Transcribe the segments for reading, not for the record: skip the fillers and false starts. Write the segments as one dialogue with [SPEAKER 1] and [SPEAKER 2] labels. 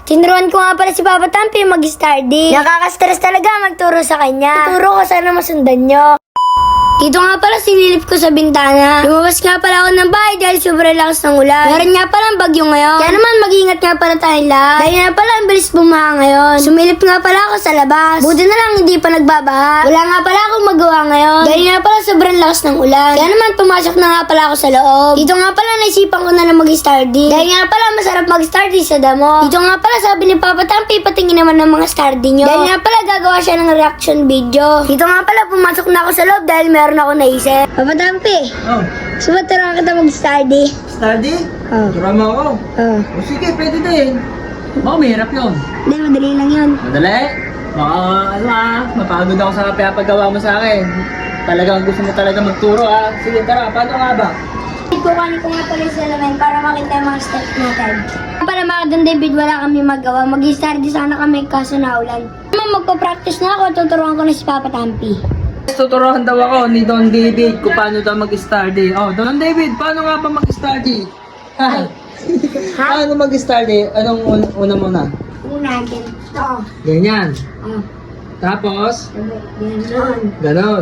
[SPEAKER 1] Tinuruan ko nga pala si Papa Tampi mag-study. Nakaka-stress talaga magturo sa kanya. Tuturo ko sana masundan nyo. Dito nga pala sinilip ko sa bintana. Lumabas nga pala ako ng bahay dahil sobrang lakas ng ulan. Meron nga pala ang bagyo ngayon. Kaya naman mag-ingat nga pala tayong lahat. Dahil nga pala ang bilis bumaha ngayon. Sumilip nga pala ako sa labas. Buti na lang hindi pa nagbabaha. Wala nga pala akong magawa ngayon. Dahil nga pala sobrang lakas ng ulan. Kaya naman pumasok na nga pala ako sa loob. Dito nga pala naisipan ko na mag-study. Dahil nga pala masarap mag-study sa damo. Dito nga pala sabi ni Papa Tampi patingin naman ng mga study nyo. Dahil nga pala gagawa siya ng reaction video. Dito nga pala pumasok na ako sa loob dahil meron ako naisip. Papa Tampi,
[SPEAKER 2] Oh,
[SPEAKER 1] sumaturuan kita mag-study.
[SPEAKER 2] study?
[SPEAKER 1] Oh.
[SPEAKER 2] Turuan mo ako.
[SPEAKER 1] Oh.
[SPEAKER 2] O sige, pwede din. Baka mahirap yun.
[SPEAKER 1] Hindi, madali lang yun.
[SPEAKER 2] Madali. Baka mapagod ako sa pinapagawa mo sa akin. Talagang gusto mo talaga magturo Sige, tara, paano nga ba?
[SPEAKER 1] Kukuhanin ko nga pala yung salamin para makita yung mga steps natin. Para mga Don David, wala kami magawa. Mag-study sana kami kaso naulan. Magpa-practice na ako, tuturuan ko na si Papa Tampi.
[SPEAKER 2] Tuturuan daw ako ni Don David kung paano daw mag-study. Oh, Don David, paano nga ba mag-study? Ha? Paano mag-study? Anong una muna?
[SPEAKER 1] Una, ganito.
[SPEAKER 2] Ganyan.
[SPEAKER 1] Oh,
[SPEAKER 2] Tapos,
[SPEAKER 1] ganon.
[SPEAKER 2] ganon.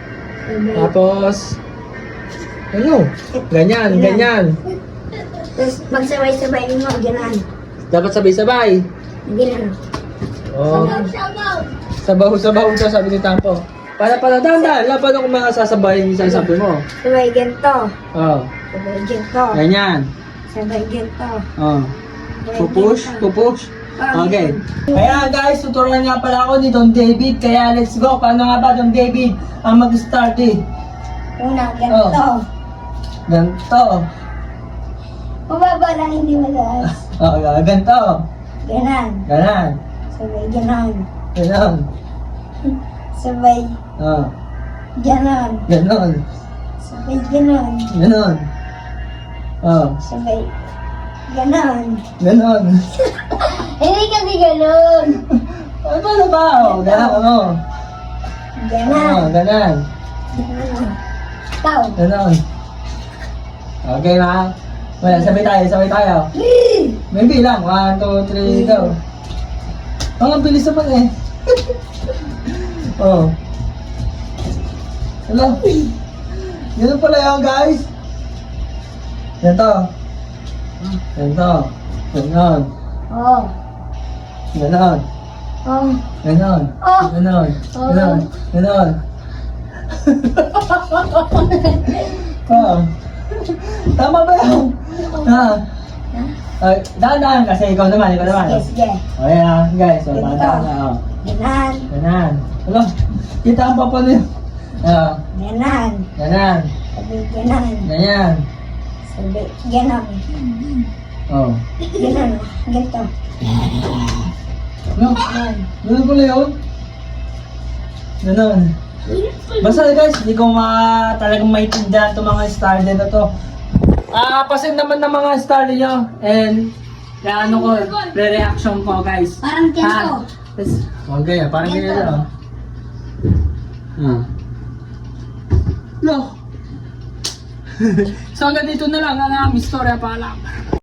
[SPEAKER 2] Tapos, ano? Ganyan, ganyan.
[SPEAKER 1] Tapos magsabay-sabay mo, ganon.
[SPEAKER 2] Dapat sabay-sabay.
[SPEAKER 1] Ganon.
[SPEAKER 2] Oh. Sabaw-sabaw ito, sabi ni Tampo. Para dahan-dahan lang, paano kung mga sasabayin yung sasabi mo?
[SPEAKER 1] Sabay ganito.
[SPEAKER 2] Oh.
[SPEAKER 1] Sabay ganito.
[SPEAKER 2] Ganyan.
[SPEAKER 1] Sabay ganito.
[SPEAKER 2] Oh. Pupush, pupush. Okay. Kaya guys, tuturuan nga pala ako ni Don David. Kaya let's go. Paano nga ba Don David ang mag-start
[SPEAKER 1] Una, ganito.
[SPEAKER 2] Ganto.
[SPEAKER 1] Mababa lang, hindi mataas.
[SPEAKER 2] Oh, ganto.
[SPEAKER 1] Ganon.
[SPEAKER 2] Ganan.
[SPEAKER 1] Sabay ganon.
[SPEAKER 2] Ganon.
[SPEAKER 1] Sabay
[SPEAKER 2] Oh.
[SPEAKER 1] ganon.
[SPEAKER 2] Ganon.
[SPEAKER 1] Sabay ganon.
[SPEAKER 2] Ganon. Oh.
[SPEAKER 1] Sabay ganon.
[SPEAKER 2] Ganon.
[SPEAKER 1] Hindi kasi ganon.
[SPEAKER 2] Ano paano ba? Oh, ganon. Oh.
[SPEAKER 1] Ganon.
[SPEAKER 2] Oh, ganon.
[SPEAKER 1] Ganon. Ikaw.
[SPEAKER 2] Ganon. Okay na. Wala, sabay tayo. May bilang. 1, 2, 3, go. Ang bilis naman eh. Oh. Hello. Ganun pala yun, guys. Ganito. Ganito. Ganon.
[SPEAKER 1] Oh.
[SPEAKER 2] Ganon.
[SPEAKER 1] Oh.
[SPEAKER 2] Ganon.
[SPEAKER 1] Oh.
[SPEAKER 2] Ganon. Ganon. Ganon. Oh. Tama ba yun? Ay, dahan-dahan kasi ikaw naman.
[SPEAKER 1] Sige, sige.
[SPEAKER 2] Okay guys. So, dahan-dahan na. Oh.
[SPEAKER 1] Ganon.
[SPEAKER 2] Ganon. Hello. Kita ang papa niyo.
[SPEAKER 1] Ganon.
[SPEAKER 2] Ganon.
[SPEAKER 1] Sabay ganon.
[SPEAKER 2] Ganyan.
[SPEAKER 1] Sabay ganon.
[SPEAKER 2] Oh.
[SPEAKER 1] Ganon. Ganito.
[SPEAKER 2] No. Ganun pala yun. Ganon. Basta guys, hindi ko talagang maintindihan itong mga starter na to. Pasin naman ng mga starter nyo. And, ano ko, re-reaction ko guys.
[SPEAKER 1] Parang ganito.
[SPEAKER 2] Okay, parang ganyan lang. No. So hanggang dito na lang ang aming istorya pala.